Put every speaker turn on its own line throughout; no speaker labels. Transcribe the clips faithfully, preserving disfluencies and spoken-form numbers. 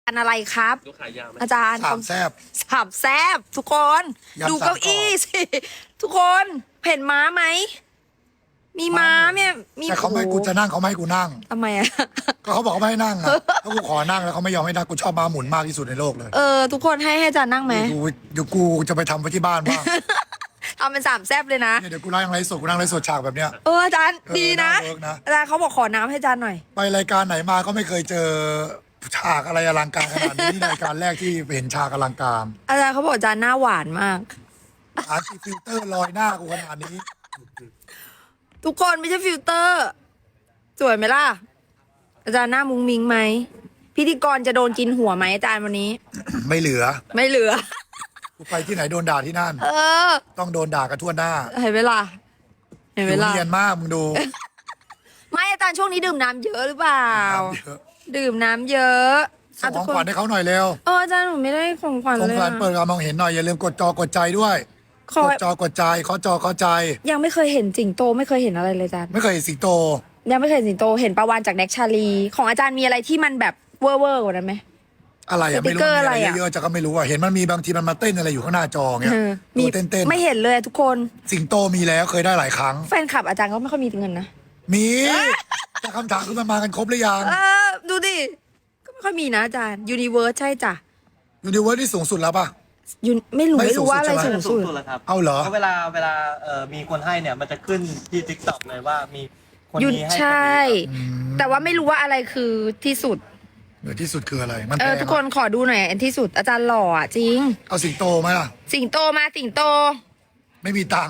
อันอะไรครับ
ลูกขายาวไหม
อาจารย์
สามแซบ
สามแซบทุกคน
ยำ
ดูเก้าอี้สิ ทุกคนเห็นม้าไหม มีม้าเนี่ยมี
แต่เขาไม่ให้กูจะนั่งเขาไม่ให้กูนั่ง
ทำไมอะ
ก็เขาบอกเขาไม่ให้นั่งอะถ้ากูขอนั่งแล้วเขาไม่ยอมให้นั่งกูชอบม้าหมุนมากที่สุดในโลกเลย
เออ ทุกคนให้ให้อาจารย์นั่งไหม
กูเดี๋ยวกูจะไปทำไว้ที่บ้านบ้าง
เอาเป็นสามแซบเลยนะ
เนี่ยเดี๋ยวกูนั่งไรสดกูนั่งไรสดฉากแบบเนี้ย
เอออาจารย์
เออ
ดีนะ
น่าเวิร์กนะ
อาจารย์เขาบอกขอน้ำให้อาจารย์หน่อย
ไปรายการไหนมาก็ไม่เคยเจอฉากอะไรอลังการขนาดนี้นี่รายการแรกที่เห็นฉากอลังการ
อาจารย์เขาบอกอาจารย์หน้าหวานมาก
หาสีฟิลเตอร์ลอยหน้ากูขนาดนี้
ทุกคนไม่ใช่ฟิลเตอร์ สวยไหมล่ะ อาจารย์หน้ามุ้งมิงไหมพิธีกรจะโดนกินหัวไหมอาจารย์วันนี้
ไม่เหลือ
ไม่เหลือ
กูไปที่ไหนโดนด่าที่นั่น
เออ
ต้องโดนด่ากันทั่วหน้า
เห็นไหมล่ะเห็นไหม
ผิว
ล่ะ
เนียนมากมึงดู
ไม่อาจารย์ช่วงนี้ดื่มน้ำเยอะหรือเปล่า
เยอะ
ดื่มน้ำเยอะ
ส่งของ
ทุก
ขวัญให้เขาหน่อยเร็ว
เอออาจารย์หนูไม่ได้ของขวัญ
ของ
เลย
ขวัญเปิด
อะ
การมองเห็นหน่อยอย่าลืมกดจอกดใจด้วย
ขอก
ดจอกดใจขอจอขอใจ
ยังไม่เคยเห็นสิงโตไม่เคยเห็นอะไรเลยอาจารย์
ไม่เคยเห็นสิงโต
ยังไม่เคยเห็นสิงโตเห็นปลาวานจากแน็กชาลีของอาจารย์มีอะไรที่มันแบบเวอร์เวอร์กว่านั้นไหม
อะไร
ส
อะ
ติ
ไม่
ก
รู้
เกอร์
มีอะไร
อะไรอะ
เยอะๆจะก็ไม่รู้อะเห็นมันมีบางทีมันมาเต้นอะไรอยู่ข้างหน้าจอเงี้ย
เออ
มี
มี
เต้นเต้น
ไม่เห็นเลยอะทุกคน
สิงโตมีแล้วเคยได้หลายครั้ง
แฟนคลับอาจารย์ก็ไม่ค่อยมีเงินนะ
มีแต่คำถามคือมันมากันครบหรือยัง
เออดูดิก็ไม่ค่อยมีนะอาจารย์ยูนิเวิร์สใช่จ้ะ
ยูนิเวิร์สที่สูงสุดแล้วป่ะ
ยูไม่รู้
ไม่
ไม่
สู
รู้
งสุด
ว่าอะไร
ใช่ไหม
สูง
สู
สุ
ง
ด
สุดแล้วครับ
เอาเหรอ
ก็เวลาเวลาเอ่อมีคนให้เนี่ยมันจะขึ้นที่ทิกตอกเลยว่ามีคน
ยุน
นี้ให้
ใช่
คนนี้
แต่ว่าไม่รู้ว่าอะไรคือที่สุด
เหนือที่สุดคืออะไร มัน
เอ
แพ
อง ทุกคน
อะ
ขอดูหน่อยอันที่สุดอาจารย์หล่ออ่ะจริง
เอาสิงโตไหมล่ะ
สิงโตมาสิงโต
ไม่มีตังค์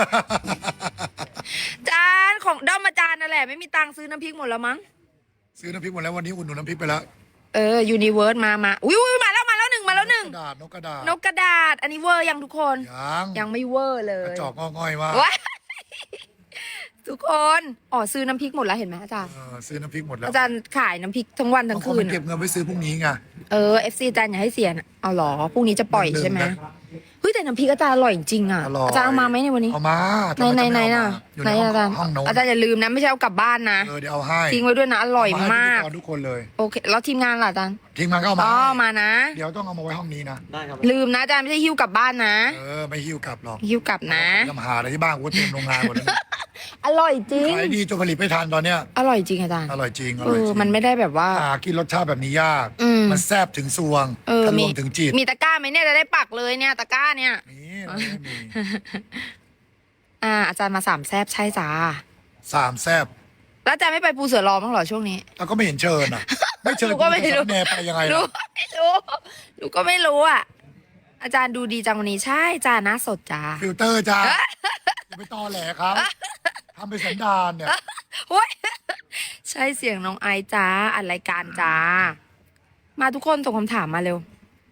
จานของด้อมอาจารย์นั่นแหละไม่มีตังค์ซื้อน้ำพริกหมดแล้วมั้ง
ซื้อน้ำพริกหมดแล้ววันนี้อุ่นหนุนน้ำพริกไปแล้ว
เออยูนิเวิร์สมามาอุ้ยอุ้ยมาแล้วมาแล้วหนึ่งมาแล้วหนึ่ง
กระดาษนกกระดาษ
นกกระดาษ อันนี้เวอร์ยังทุกคน
ยัง
ยังไม่เวอร์เล
กระ
ย
จอกงอง่อยมาก
ว้ายทุกคนอ๋อซื้อน้ำพริกหมดแล้วเห็นไหมอาจารย์
เออซื้อน้ำพริกหมดแล้ว
อาจารย์ขายน้ำพริกทั้งวันทั้ง
บางคน
คื
มัน นเก็บเงินไว้ซื้อพรุ่งนี้ไง
เออเอฟซีอาจารย์อย่าให้เสียนะเอาเหรอพรุ่งนี้จะปล่อยใช่ไหม
ลืมนะ
เฮ้ยแต่น้ำพริกอาจารย์อร่อยจริงอ่ะ
อร่อย
อาจารย์เอามาไหมในวันนี้
เอามา
ไหนไหนไหนน่ะ
อยู่
ไหน
ในห้อง
อาจารย์
ห้องโน้น
อาจารย์อย่าลืมนะไม่ใช่เอากลับบ้านนะ
เออเดี๋ยวเอาให้
ทิ้งไว้ด้วยนะอร่อย
เให้
มาก
พิธีรทุกคนเลย
โอเคแล้วทีมงานล่ะอาจารย์
ทีมงานก็เอามา
อ๋อ
ให้
มานะ
เดี๋ยวต้องเอามาไว้ห้องนี้นะ
ได้ครับ
ลืมนะอาจารย์ไม่ใช่หิ้วกลับบ้านนะ
เออไม่หิ้วกลับหรอก
หิ้วกลับนะ
ทำหาอะไรที่บ้านกูเต็มโรงงานหมดแล้ว
อร่อยจริง
ขายดีจนผลิตไม่ทันตอนเนี้ย
อร่อยจริงอาจารย์
อร่อยจริงอ
เอ
ร่อย
อ
จริง
มันไม่ได้แบบว่า
หากินรสชาติแบบนี้ยาก
อืม
มันแซบถึงซวง
เออ
ทะล
มี
วงถึงจิต
มีตะกร้าไหมเนี่ยจะได้ปักเลยเนี่ยตะกร้าเนี่ย
นี่เราไม่มี
อ่า อาจารย์มาสามแซบใช่จ้า
สามแซบ
แล้วอาจารย์ไม่ไปปูเสือรอบ้างเหรอช่วงนี้
แล้วก็ไม่เห็นเชิญอ่ะ ไม่เชิญ
หนูก็ไม่รู้
แนไปยังไง
หนู
ล่ะ
ไม่รู้หนูก็ไม่รู้อ่ะ อาจารย์ดูดีจังวันนี้ใช่จ้าหน้าสดจ้า
ฟิลเตอร์จ้าอย่าไปตอแหลครับทำเป็นสันดานเนี่ย
โอ้ยใช่เสียงน้องไอซ์จ้าอัดรายการจ้า มาทุกคนส่งคำถามมาเร็ว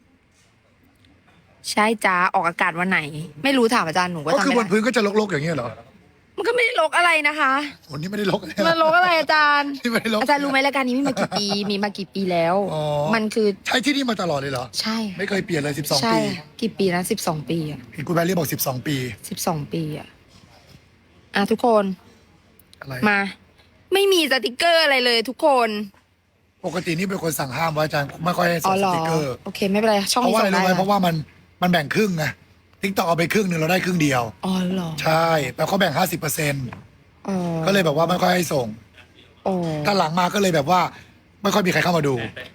ใช่จ้าออกอากาศวันไหน ไม่รู้ถามอาจารย์หนูก็
ก็
ทำ
คือ
ไม่
บน
ได้
พื้นก็จะลกๆอย่างเงี้ยเหรอ
มันก็ไม่ได้ลกอะไรนะคะ
วันนี้ไม่ได้ลกเลย
มันลกอะไรอาจารย์
ที่ไม่ได้ลก
อาจารย์รู้ไหมรายการนี้มีมากี่ปี มีมากี่ปีแล้ว
อ๋อ
มันคือ
ใช้ที่นี่มาตลอดเลยเหรอ
ใช่
ไม่เคยเปลี่ยนเลยสิบสอง
ใช่
ปี
กี่ปีนะสิบสองปีอ่ะ
เห็นคุณแพรรี่บอกสิบสองปี
สิบสองปีอ่ะอ่ะทุกคน
อะไร
มา ไม่มีสติกเกอร์อะไรเลยทุกคน
ปกตินี่เป็นคนสั่งห้ามว่าอาจารย์ไม่ค่อยให้
อ๋
ส่
อง เหร
ส
อ
ติกเกอร์
โอเคไม่เป็นไรช่อง
เพราะ
นี้
ว่าอะไร
ส่ง
รู้
ได้
ไหมเพราะว่ามันมันแบ่งครึ่งไงทิกตอกเอาไปครึ่งหนึ่งเราได้ครึ่งเดียว
อ๋อเหรอ
ใช่แล้วเขาแบ่งห้าสิบเปอร์เซ็นต์
อ๋อ
ก็เลยแบบว่าไม่ค่อยให้ส่ง
อ๋อ
ถ้าหลังมาก็เลยแบบว่า ไม่ค่อยมีใครเข้ามาดู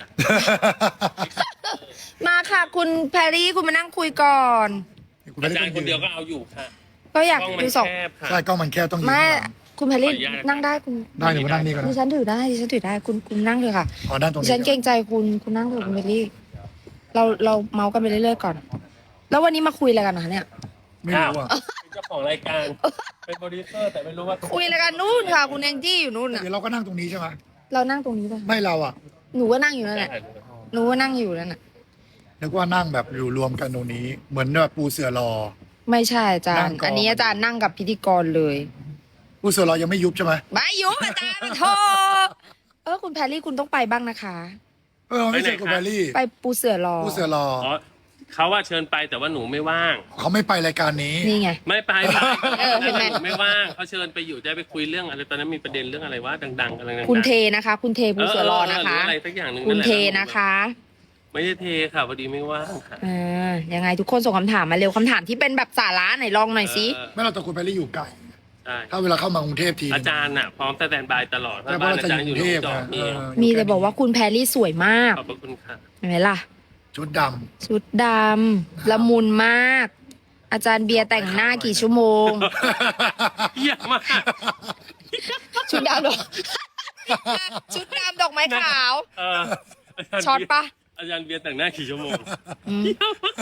มาค่ะคุณแพรรี่คุณมานั่งคุยก่อน
คุณแพร
อา
รี่
จาร
ต้
ย์
อง
คนเดี
ยื
ยวน ก็เอาอยู่ค่ะ
ก็อยาก
กล้องมัน
ดูสอง
แคบค่ะ
ใช่กล้องมันแค่ต้องยืน
ไม่
ข้างหลัง
คุณแพรรี่
ขออนุญาต
นั่งได้คุณ
ได้เดี๋ยวมานั่งนี่ก่อน
ดิ
นะ
ฉันถือได้ดิฉันถือได้คุณคุณนั่งเลยค่ะ
อ๋อด้านตรง
ดิ
นี้
ฉันเกรงใจคุณคุณนั่งเถอะคุณแพรรี่ เราเราเมาส์กันไปเรื่อยๆก่อน แล้ววันนี้มาคุยอะไรกันนะคะเนี่ย
ไม่รู้อ่ะ
เป็นเจ้าของรายการ เป็นโปรดิวเซอร์แต่ไม่รู้ว่า
คุยอะไรกันนู่นค่ะ คุณแองจี้อยู่นู่นน่ะ
เดี๋ยวเราก็นั่งตรงนี้ใช่ไหม
เรานั่งตรงนี้ป่ะ
ไม่เราอ่ะ
หนูก็นั่งอยู่นั่นแหละหนูก็นั่งอยู่นั่นน่ะ
นึกว่านั่งแบบอยู่รวมกันตรงนี้ เหมือนแบบปูเสือรอ
ไม่ใช่อาจาร
นั่
ย์
งก่อน
อันนี้อาจารย์นั่งกับพิธีกรเลย
ปูเสือรอยังไม่ยุบใช่ไหม
ไม่ยุบอาจารย์มาโทเออคุณแพรรี่คุณต้องไปบ้างนะคะ
เออไม่ใช่คุณแพรรี่
ไปปูเสือรอ
ปูเสือรอ
อ๋อเขาว่าเชิญไปแต่ว่าหนูไม่ว่าง
เขาไม่ไปรายการนี้
นี่ไง
ไม่ไปไป
เออเห็นไหม
นูไม่ว่างเขาเชิญไปอยู่จะไปคุยเรื่องอะไรตอนนั้นมีประเด็นเรื่องอะไรว่าดังๆกำลังดังๆ
คุณเทนะคะ คุณเทปูเสือรอนะคะ
หรืออะไรสักอย่างหนึ่ง
คุณ
นั่นแหละ
เทนะคะ
ไม่ได้เทค่ะพอดีไม่ว่างค่ะ
อ่ายังไงทุกคนส่งคำถามมาเร็วคำถามที่เป็นแบบสาระไหนลองหน่อยสิ
เออ
ไม่เราแต่คุณไปรีอยู่ไกล
ใช่
ถ้าเวลาเข้ามากรุงเทพที
อาจารย์น่ะพร้อมสแตนบายตลอดเพ
แต่
ราะ
เพราะ
บ้าน
เรา
อา
จะ
จาร
อ
ย์อยู่
ยู่กรุงเทพ
หนองจอก
นะ
นี่
เออ
มีแต่บอกว่าคุณแพรรี่สวยมาก
ขอบพระคุณค่ะ
เห็นไหมล่ะ
ชุดด
ชุดดำละมุนมาก อาจารย์เบียร์แต่งหน้ากี่ชั่วโมง
เยี่ยมมาก
ชุดดำดอก ชุดดำดอกไม้ขาว
เอออาจารย์
ช็อตปะ
อาจารย์เบียร์แต่งหน้ากี่ชั่วโมง
อืม
เยี่ยมมาก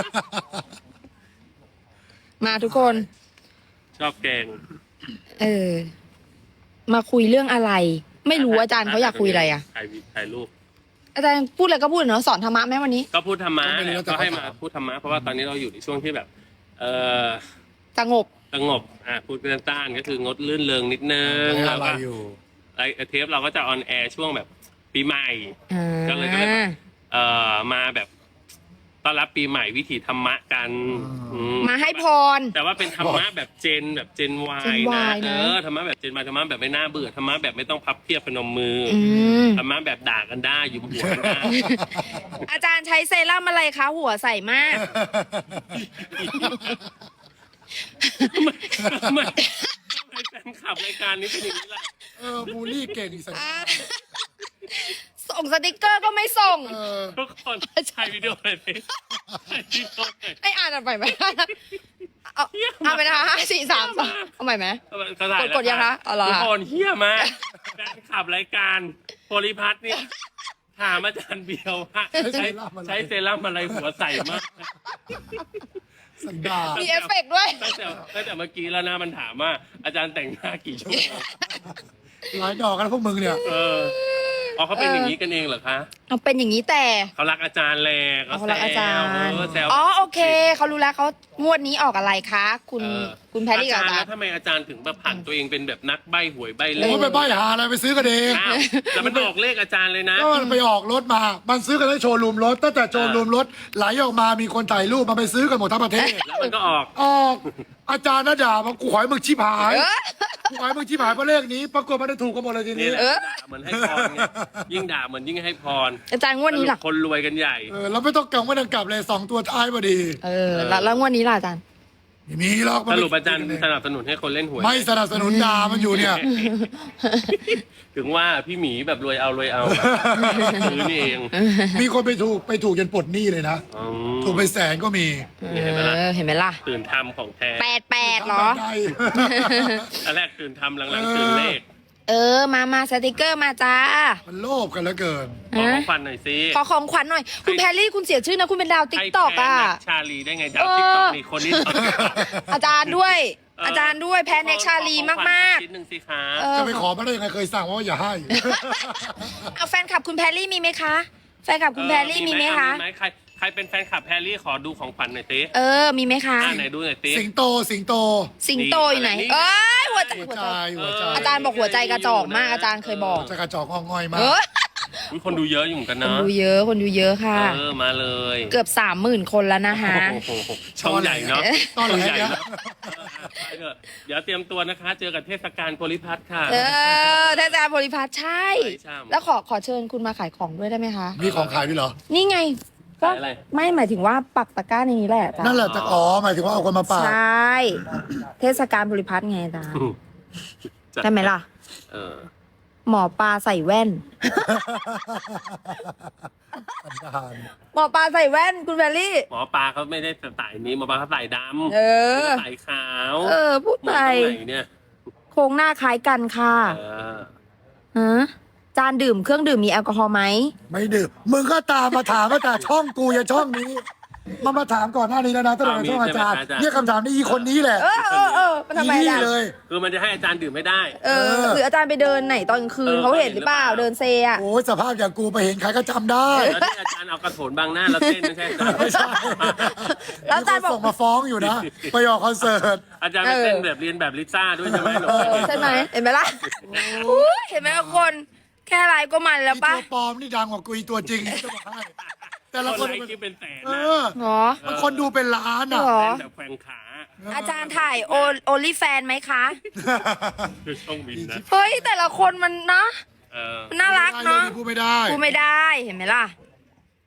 มาทุกคน
ชอบแกง
เออ มาคุยเรื่องอะไร ไม่รู้อาจารย์เขาอยากคุยอะไรอ่ะ
ถ่ายวิถ่ายรูป
อาจารย์พูดอะไรก็พูดเนาะสอนธรรมะไหมวันนี้
ก็พูดธรรมะแหละก็ให้มาพูดธรรมะเพราะว่าตอนนี้เราอยู่ในช่วงที่แบบ เออ
สงบ
สงบอ่ะพูดเป็นต้านก็คืองดลื่นเริงนิดนึ
ำ
ง
ไม่
แล้ว
อะไร
ก็
อยู่
ไอเทปเราก็จะออนแอร์ช่วงแบบปีใหม่
อ่า
ก็เลยก็เลยแบบ เอ่อมาแบบต้อนรับปีใหม่วิถีธรรมะกันอืม
มาให้พร
แต่ว่าเป็นธรรมะแบบเจนแบบเจนวา
เจ
ย
น
นะ
Y
เอ
นะ
อธรรมะแบบเจนวายธรรมะแบบไม่น่าเบื่อธรรมะแบบไม่ต้องพับเพียบพนมมืออ
อืม
ธรรมะแบบด่ากันได้ยุมหัวกันได้
อาจารย์ใช้เซรั่มอะไรคะ หัวใสมาก
ทำไมทำไมทำไมแฟนคลับรายการนี้เป็นอย่างนี้ล่ะ
เออบูลลี่เก่งอีกสัก
อ่าส่งสติกเกอร์ก็ไม่ส่ง
เออ
ทุกคนถ่ายวิดีโอเลยดิถ่ายวิดีโอเลย
ให้อ่านอ่านไปไหมเอาเอาไปนะคะห้าสี่สามสองเอาใหม่ไหม
เขาถ่ายแล้ว
กดยังคะเอาเหรอ
ทุกคนเฮี้ยมากแฟนคลับรายการโพลิพัทเนี่ยถามอาจารย์เบียวว่าใช้ใช้เซรั่มอะไรหัวใสมาก
สันดาล
มีเอฟเฟกต์ด้วย
ตั้งแต่ตั้งแต่เมื่อกี้แล้วนะมันถามว่าอาจารย์แต่งหน้ากี่ชั่วโมง
หลายดอกกันพวกมึงเนี่ย
เอออ๋อเขาเป็นอย่างนี้กันเองเหรอคะ
เอาเป็นอย่างนี้แต่
เขารักอาจารย์แหละ
เอา
เขา
เขารักอาจารย์
เออแซว
อ๋อโอเคเขารู้แล้วเขางวดนี้ออกอะไรคะ คุณ
เออ
คุณแพรรี่กับ
อา
อา
จารย์
จาร
แล้ว
ย์
ทำไมอาจารย์ถึงแบบผันตัวเองเป็นแบบนักใบ้หวยใบ้เล
โอ้
ข
ยไปใบ้หาอะไรไปซื้อกันเอง
อ้าวแล้วมันออกเลขอาจารย์เลยนะ
ก็มันไปออกรถมา มันซื้อกันได้โชว์รูมรถ ตั้งแต่โชว์รูมรถไหลออกมามีคนถ่ายรูปมาไปซื้อกันหมดทั้งประเทศ
แล้วมันก็ออก
ออกอาจารย์น่าด่ามากูขอให้มึงชิบหาย
เออ
กูขอให้มึงชิบหายเพราะเลขนี้ ปรากฏมันได้ถูกกันหมดเลยที
นี่
นี้
แหละ
เออ
ด่าเหมือนให้พรไงยิ่งด่าเหมือนยิ่งให้พร
อาจารย์งวดนี้ล่ะ
คนรวยกันใหญ่
เออเราไม่ต้องกังวลกลับเลยสองตัวท้ายพอดี
เออแล้วแล้วงวดนี้ล่ะอาจารย์
ไม่มีหรอก
สรุปอาจารย์สนับสนุนให้คนเล่นหวย
ไม่สนับสนุนด่ามันอยู่เนี่ย
ถึงว่าพี่หมีแบบรวยเอารวยเอาซื้อนี่เอง
มีคนไปถูกไปถูกจนปลดหนี้เลยนะ
อืม
ถูกไปแสนก็มี
นี่เห็นไหมล่ะ
เออเห็นไหมล่ะ
ตื่นทำของแท้
แปดแปดเหรอ
ทำแบบใด
อันแรกตื่นทำหลังๆตื่นเลข
เออ มามาสติกเกอร์มาจ้า
มันโลภกันเหลือเกิน
ขอของขวัญหน่อยสิ
ขอของขวัญหน่อย คุณแพรรี่คุณเสียชื่อนะ คุณเป็นดาวติ๊กตอก
ให้
อ่ะ
แพ้นัชชาลีได้ไงดาวติ๊กต็อกนี่คนนี้ตอนนี้
อาจารย์ด้วย
เอออ
อาจารย์ด้วยแพนเน็กชาลีมากมาก
ชิ้นหนึ่งสิคะ
ๆเออ
จะไปขอมาได้ยังไงเคยสั่งว่าอย่าให้
เอาแฟนคลับคุณแพรรี่มีไหมคะ แฟนคลับคุณแพรรี่มีไหมคะ
มีไหมใครใครเป็นแฟนคลับแพรรี่ขอดูของขวัญหน่อยสิ
เออ มีไหมคะ
อ่าไหนดูหน่อยสิ
สิงโตสิงโต
สิงโตอยู่ไหน
นี่
เอ้ยหัวใจ
หัว
หัว
ใจ
ใจ
หัวใจ
อาจารย์บอกหัวใจกระจอกมาก อาจารย์เคยบอก
จะกระจอกงอกง่อยมา
เอก อ
อุ๊ยคนดูเยอะอยู่เหมือนกัน
คน
เนาะ
ดูเยอะ คนดูเยอะค่ะ
เออมาเลย
เกือบสามหมื่นคนแล้วนะคะ
โอ้โหช่องใหญ่เนาะ
ตอนไหน
ช่องใหญ่
เนี่ย
เนาะเออไปเถอะเดี๋ยวเตรียมตัวนะคะ เจอกับเทศกาลโพลิพัทค่ะ
เออท่านอาจารย์โพลิพัฒน์ใช่
ใช่ใช่
แล้วขอขอเชิญคุณมาขายของด้วยได้ไหมคะ
มีของขายด้วยเหรอ
นี่ไง ก็
ขายอะไร
ไม่หมายถึงว่าปักตะกร้าในนี้แหละอาจารย์
นั่นแหละจะอ๋อหมายถึงว่าเอาคนมาปา
ใช่ เทศกาลโพลิพัฒน์ไงอาจารย์
อืมจัด
ใช่ไหมล่ะ
เออ
หมอปลาใส่แว่น
สันดาน
หมอปลาใส่แว่นคุณแพรรี่
หมอปลาเขาไม่ได้ใส่นี้หมอปลาเขาใส่ดำ
เออ
ใส่ขาว
เออ พูด
หม
ไป
อตรงไหนเนี่ย
โครงหน้าคล้ายกันค่ะ
เออ
ฮะจานดื่มเครื่องดื่มมีแอลกอฮอล์ไหม
ไม่ดื่มมึงก็ตามมาถามมาแต่ช่องกูอย่าช่องนี้มามาถามก่อนหน้านี้แล้วนะตั้งแต่ในช่องอาจารย์เนี่ยคำถามนี้อีคนนี้แหละ
เออเออเออมันทำไม
อี
อา
นี่
จารย์
เลย
คือมันจะให้อาจารย์ดื่มไม่ได้
เออหรืออาจารย์ไปเดินไหนตอนกลางคืน
เออ
เขาเห็นหรือเปล่า
เห็นหรือเปล่า
เดินเซอะ
โอ้ยสภาพอย่างกูไปเห็นใครก็จำได้
แล้วที่อาจารย์เอากระโถนบังหน้าเราเต้นไม่ใช่อาจารย์
ไม่ใช่
แล้วอาจารย์บอก
มีคนส่งมาฟ้องอยู่นะ ไปออกคอนเสิร์ต
อาจารย์ไปเต้นแบบเรียนแบบลิซ่าด้วยใช่ไหมหนู
เออใช่ไหมเห็นไหมล่ะอุ๊ยเห็นไหมทุกคนแค่ไลฟ์ก็มันแล้ว
อี
ปะ
ตัวปลอมนี่ดังกว่ากูอีตัวจริงจะบอกให้แต่
ค
ละ
น
คน
ไลค์คลิปเป็นแสน
เอ
นะ
อ
เหรอ
มันคนดูเป็นล้านอ่ะ
เหรอ
เต้นแบบแขวงขา
อาจารย์ถ่ายโอโอลิแฟนไหมคะ
คือช่องบินนะ
เฮ้ยแต่ละคนมันนะ
เออ
มันน่ารักเนาะ
พูดไม่ได้
พูดไม่ได้เห็นไหมล่ะ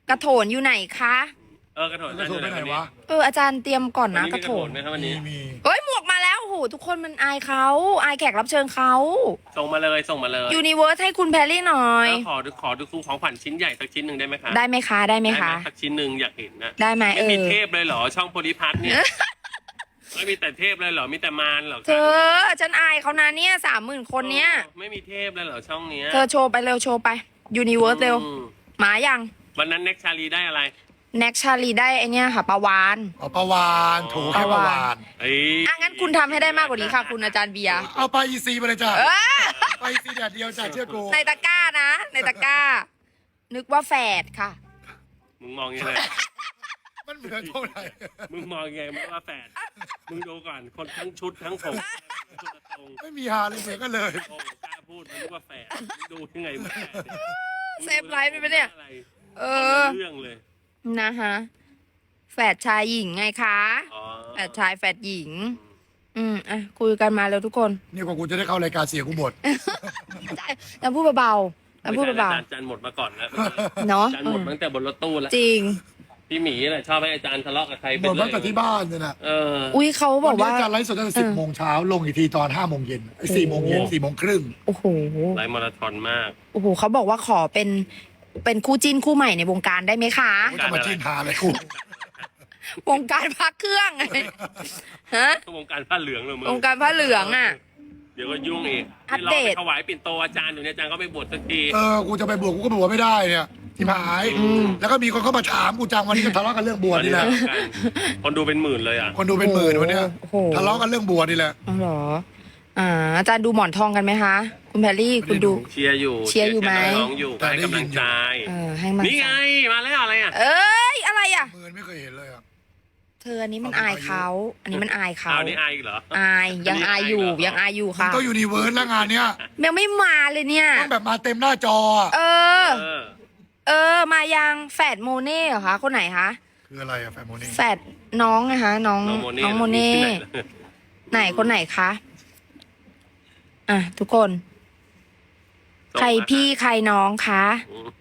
กระโถนอยู่ไหนคะ
เออกระโถน
กระโถนไปไหนวะ
เอออาจารย์เตรียมก่อน
วัน
นะ
นี้
ก
มี
ระ
กระ
โถ
โถ
น
นไหมครับวันนี้
มี
เฮ้ยหมวกมาแล้วโอ้โหทุกคนมันอายเขาอายแขกรับเชิญเขา
ส่งมาเลยส่งมาเลย
ยูนิเวิร์สให้คุณแพรรี่หน่อย
แล้วขอดูขอดูคู่ของขวัญชิ้นใหญ่สักชิ้นหนึ่งได้ไหมคะ
ได้ไหมคะได้ไหมคะ
สักชิ้นหนึ่งอยากเห็นนะ
ได้ไหมเอ
ไม่มี
อ
เทพเลยเหรอช่องโพลิพัทเนี่ยไม่มีแต่เทพเลยเหรอมีแต่มารเหรอคะ
เธอฉันอายเขานะเนี่ยสามหมื่นคนเนี้ย
โอ้ไม่มีเทพเลยเหรอช่องเนี้ย
เธอโชว์ไปเร็วโชว์ไปยูนิเวิร์สเร็ว
อืม
หมายัง
วันนั้นเน็กชาลีได้อะไร
แน็กชาลีได้ไอเนี้ยค่ะปลาวาน
เอาปลาวานถูให้ปลาวาน
เอ้ย
อ่ะงั้นคุณทำให้ได้มากกว่านี้ค่ะ คุณอาจารย์เบียร์
เอาไปอีซีไปเลยจ้ะ
เออ
ไปอีซีแดดเดียวจ้ะเชื่อกู
ในตะกร้านะ ในตะกร้า นึกว่าแฝดค่ะ
มึงมองยังไง
มันเหมือนเท่าไหร่
มึงมองยังไงไม่ว่าแฝดมึงดูก่อนคนทั้งชุดทั้งผมคนละทรง
ไม่มีฮาเลยเหมือนกันเลย
โอ้กล้าพูดมันนึกว่าแฝดมึงดูยังไงว่าแฝดเนี่ย
เซฟไลฟ์ไปไหมเนี่ย
อะไร
เอ
เอ
อ
เรื่องเลย
นะคะแฝดชายหญิงไงคะ
อ๋อ
แฝดชายแฝดหญิง อืมอ่ะคุยกันมาแล้วทุกคน
นี่กว่ากูจะได้เข้ารายการเสียกูหมด
แต่พูดเบาๆแต่พูดเบา
อาจารย์อาจารย์หมดมาก่อนแล้ว
ๆเนาะ
อาจารย์หมดตั้งแต่บนรถตู้แล้ว
จริง
พี่หมีแหละชอบให้อาจารย์ทะเลาะกับใคร
ห
ไป
มด
เรื่
ตั้งแต่ที่บ้านเนี่ยนะ
เออ
อุ้ยเขาบ
วั
อน ก
นี้
ว่า
อาจารย์ไลฟ์สดตั้งแต่สิบโมงเช้าลงอีกทีตอนห้าโมงเย็นไอ้สี่โมงเย็นสี่โมงครึ่ง
โอ้โห
ไลฟ์มาราธอนมาก
โอ้โหเขาบอกว่าขอเป็นเป็นคู่จิ้นคู่ใหม่ในวงการได้ไหมคะ
ไม่ต้องมาจิ้นหาเลยกู
วงการพักเครื่อง ฮะ
วงการผ้าเหลืองเลยมึง
วงการผ้าเหลืองอ่ะ
เดี๋ยวก็ยุ่งอีก
อัป
ที่เรา
เดต
ไปถวายปิ่นโตอาจารย์อยู่เนี่ยอาจารย์ก็ไปบวชสักที
เออกูจะไปบวชกูก็บวชไม่ได้เนี่ยที่หาย แล้วก็มีคนเข้ามาถามกูจังวันนี้ก็ทะเลาะกันเรื่องบวชนี่แหละ
คนดูเป็นหมื่นเลยอ่ะ
คนดูเป็นหมื่นวันเนี้ย
โอ้โห
ทะเลาะกันเรื่องบวชนี่แหละ
อ๋อเหรอ อ่า อาจารย์ดูหมอนทองกันไหมคะ คุณแพรรี่คุณดู
เชียร์อยู่
เชียร์อยู่ไหม
น้องๆอยู่
แต่
ให้
ได้
กำ
ยิ
ลั
น
ง
อยู่
ใจ
เออให้มัน
นี่ไงมาแล้วอะไรอ่ะ
เอ้ย อะไรอ่ะ
หมื่นไม่เคยเห็นเลยอ่ะ
เธออันนี้มันอายเขา อันนี้มันอายเขา
เอานี่อายอีกเหรอ
อาย ยังอายอยู่ ยังอายอยู่ค่ะ
ก็ยูนิเวิร์สแล้วงานเนี้ย
ยังไม่มาเลยเนี่ย
ต้องแบบมาเต็มหน้าจออะ
เออ
เออ
เออ มายังแฝดโมเน่เหรอคะ คนไหนคะ
คืออะไรอะแฟนโมนี่
แฝดน้องนะคะ น้อง
น้องโมเน่
น้องโมเน่
ที่ไหน
ไหนคนไหนคะ อ่ะ ทุกคน
ส่ง
ใคร
มา
พี่ใครน้องคะ
อืม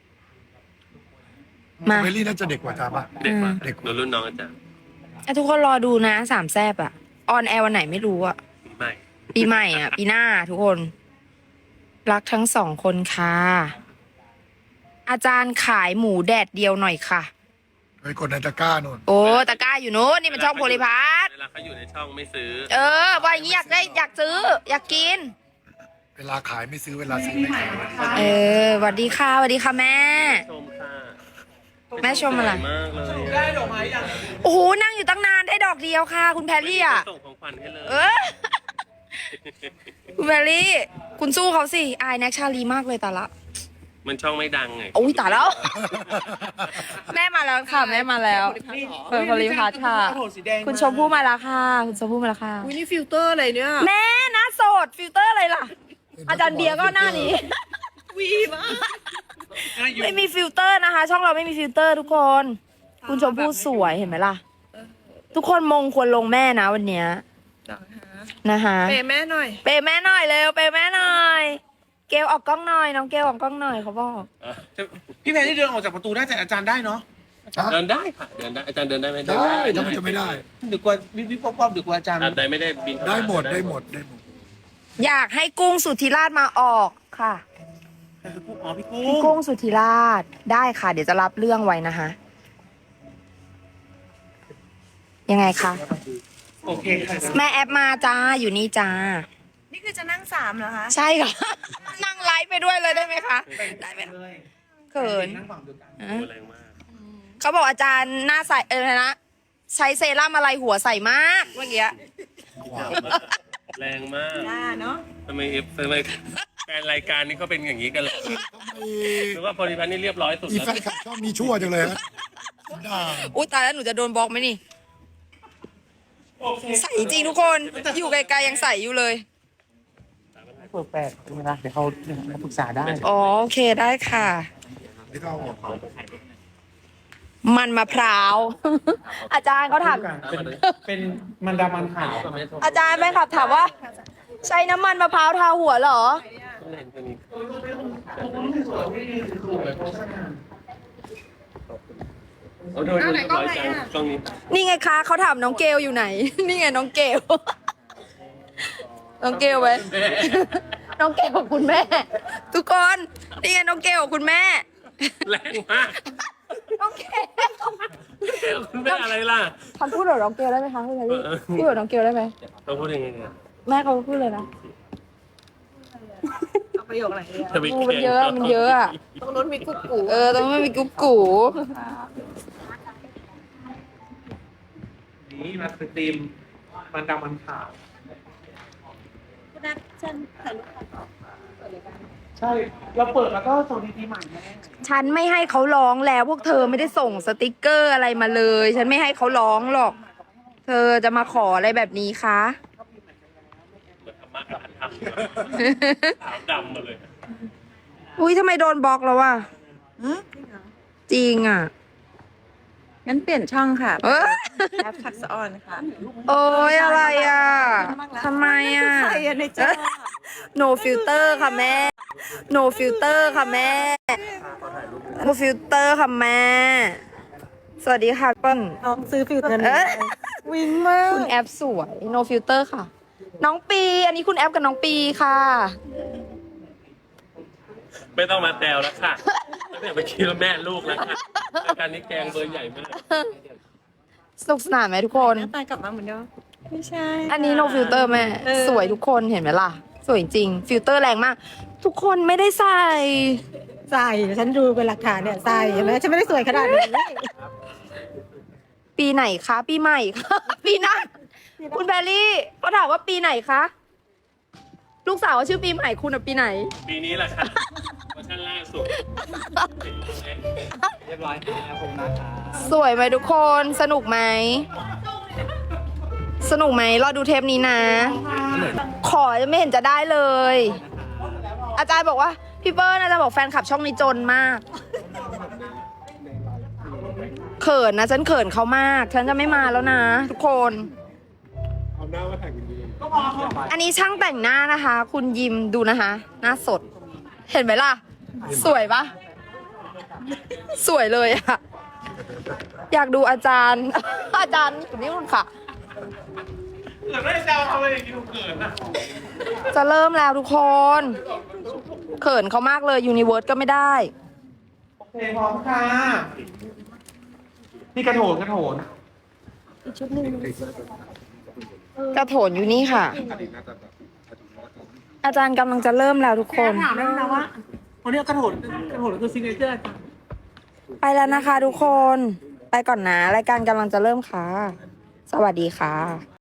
มา
เบลลี่น่าจะเด็กกว่าจ้าปะ
เด็กกว่า
เด็กกว่า
ดูรุ่นน้องอาจารย์
อ่ะทุกคนรอดูนะสามแซบอะออนแอร์วันไหนไม่รู้อะ
ปีใหม่
ปีใหม่อะปีหน้าทุกคน รักทั้งสองคนค่ะ อาจารย์ขายหมูแดดเดียวหน่อยค่ะ
ไปกดในตะกร้านู่น
โอ้ตะกร้าอยู่โน้นนี่มันช่องโพลิพัท
เวลาเขาอยู่ในช่องไม่ซื้อ
เออว่าอย่างนี้อยากได้อยากซื้อ อยากกิน
เวลาขายไม่ซื้อเวลาซื้อไม่ขาย
เออสวัสดีค่ะสวัสดีค่ะแม่
ชมค่ะ
แม่ชมอะไร
สวยมากเลย
ได้ดอกไม้ยัง
โอ้โหนั่งอยู่ตั้งนานได้ดอกเดียวค่ะ คุณแพรรี่อะ
ส่งของขวัญให้เลย
เออ คุณแพรรี่ คุณสู้เขาสิอายแน็กชาลีมากเลยแต่ละ
มันช่องไม่ดังไง
อุ้ยตายแล้ว แม่มาแล้วค่ะ แม่มาแล้วเปิดโพลิพัทค่ะ คุณชมพู่มาแล้วค่ะ คุณชมพู่มาแล้วค่ะ
วินี่ฟิลเตอร์อะไรเนี่ย
แม่หน้าโสดฟิลเตอร์อะไรล่ะ อาจารย์เบียร์ก็หน้านี้
วีมาก
ไม่มีฟิลเตอร์นะคะ ช่องเราไม่มีฟิลเตอร์ทุกคน คุณชมพู่สวยเห็นไหมล่ะ ทุกคนมงควรลงแม่นะวันเนี้ยนะคะ
เปย์แม่หน่อย
เปย์แม่หน่อยเร็วเปย์แม่หน่อย เกลออกกล้องหน่อย น้องเกลออกกล้องหน่อยเขาบอก
เออ
พี่แพรที่เดินออกจากประตูได้แต่อาจารย์ได้เนาะ
เดินได้ค่ะ เดินได้ อาจารย์เดินได้ไหม
ได้ทำไมจะไม่ได้
ดึกกว่าวิบวิบป๊อปๆดึกกว่าอาจารย์
อาจารย์ไม่ได้บินเข้าา
ได้หมดได้หมดได้หมด
อยากให้กุ้งสุธิราชมาออกค่ะ
อ๋อพี่กุ้
พี่
ง
กุ้งสุธิราชได้ค่ะ เดี๋ยวจะรับเรื่องไว้นะคะ ยังไงคะ
โอเคค่ะ
แม่แอปมาจ้าอยู่นี่จ้า
นี่คือจะนั่งสามเหรอคะ
ใช่ค่ะ นั่งไลฟ์ไปด้วยเลยได้ไหมคะ ได้ไหมเขิน
นั่งฝั่งเดียวกัน
อ่ะ
แรงมาก
เขาบอกอาจารย์หน้าใสเอออะไรนะ ใช้เซรั่มอะไรหัวใสมากเมื่อกี้
แรงมาก
อ่าเนาะ
ทำไมเอฟทำไมแฟนรายการนี้เขาเป็นอย่างนี้กันเหรอหรือว่าโพลิพัทนี่เรียบร้อยสุด
อี
แล้ว
แฟนคลับชอบมีชั่วจังเลยฮะด่า
อุ้ยตายแล้วหนูจะโดนบล็อกไหมนี่ ใส่จริงทุกคน อยู่ไกลๆยังใส่อยู่เลย
เปิดแปดเป็นเวลาเดี๋ยวเขาเดี๋ยวเขาปรึกษาได้
อ๋อโอเคได้ค่ะ
ไม่ต้องเอาออก
มันมะพร้าว อาจารย์เขาถาม
เป็นเป็นมันดามันขาว
อาจารย์แม่ขับถามว่า ใช้น้ำมันมะพร้าวทาหัวเหรอ
เห็นคนนี้เอาโดยคนร้อยจังช่วงนี้
นี่ไงคะเขาถามน้องเกลอยู่ไหน นี่ไงน้องเกล น้องเกลไว้ น้องเกลกับคุณแม่ ทุกคน นี่ไงน้องเกลกับคุณแม่
แรงมาก
น้องเกล
คุณแม่อะไรล่ะ
คำพูดแบบน้องเกลได้ไหมคะคุณชายพี่พูดแบบน้องเกลได้ไหม
เขาพูดยังไงเนี่ย
แม่เขาพูดเลยนะ
เอาประโยคอะไรเนี่ย
จะไป
โอ้มันเยอะมันเยอะอะ
ตรงนู้นมีกุ๊กกู
เออต้องไม่มีกุ๊กกู
นี่มาสตรีมมันดำมันขาว
คุณนัทฉันถ่ายรูปค่ะ
ใช่ เราเปิดแล้วก็ส่งดีๆใหม่แม่
ฉันไม่ให้เขาร้องแล้วพวกเธอไม่ได้ส่งสติกเกอร์อะไรมาเลย ฉันไม่ให้เขาร้องหรอก เธอจะมาขออะไรแบบนี้คะ
เหมือนธรรมะกับธรรมขาวดำมาเลย
อุ้ยทำไมโดนบล็อกแล้ววะจริงอ่ะ
งั้นเปลี่ยนช่องค่ะ
เออ
แอปทักษะออนค่ะ
โอ้ยอะไรอ่ะทำไมอ่ะ
ใครอะในจอ
no filter ค่ะแม่ no filter ค่ะแม่ no filter ค่ะแม่ สวัสดีค่ะเปิ้ล
น้องซื้อฟิลเตอร์
เอ้ย
วิ่งมาก
คุณแอปสวย no filter ค่ะ น้องปี อันนี้คุณแอปกับน้องปีค่ะ
ไม่ต้องมาแซวแล้วค่ะตั้งแต่ไปคิดว่าแม่ลูกแล้วค่ะรายการนี้แกงเบอร์ใหญ่มาก
สนุกสนานไหมทุกคน
หน้าตากลับมาเหมือนเดิมไม่ใช่
อันนี้ no filter แม่
เออ
สวยทุกคนเห็นไหมล่ะ สวยจริง ฟิลเตอร์แรงมาก ทุกคนไม่ได้ใส่
ใส่ฉันดูเป็นหลักฐานเนี่ยใส่เห็นไหมฉันไม่ได้สวยขนาดนี้
ปีไหนคะ ปีใหม่คะ ปีหน้าคุณแพรรี่เขาถามว่าปีไหนคะ ลูกสาวชื่อปีใหม่คุณอะปีไหน
ปีนี้แหละค่ะเวอร์ชันล่าสุด
เรียบร้อยครับผมนะครับ
สวยไหมทุกคน สนุกไหม สนุกไหมรอดูเทปนี้นะ ขอจะไม่เห็นจะได้เลย อาจารย์บอกว่า พี่เปิ้ลอาจารย์บอกแฟนคลับช่องนี้จนมาก เขินนะ ฉันเขินเขามาก ฉันจะไม่มาแล้วนะ ทุกคน อันนี้ช่างแต่งหน้านะคะ คุณยิมดูนะคะ หน้าสด เห็นไหมล่ะ สวยปะสวยเลยอะอยากดูอาจารย์ อาจารย์อยู่นี่คุณค่ะ
เกิดไม่แซวทำไมอย่างนี้เกิดนะ
จะเริ่มแล้วทุกคน เขินเขามากเลยยูนิเวิร์สก็ไม่ได้
โอเคพร้อมค่ะ นี่กระโถนกระโถน
กระโถนอยู่นี่ค่ะ อาจารย์กำลังจะเริ่มแล้วทุกคน
ถามได้นะว่าวันนี้กระโถนกระโถนคือซิงเกิลเจอร์ค่ะ
ไปแล้วนะคะทุกคน ไปก่อนนะ รายการกำลังจะเริ่มค่ะ สวัสดีค่ะ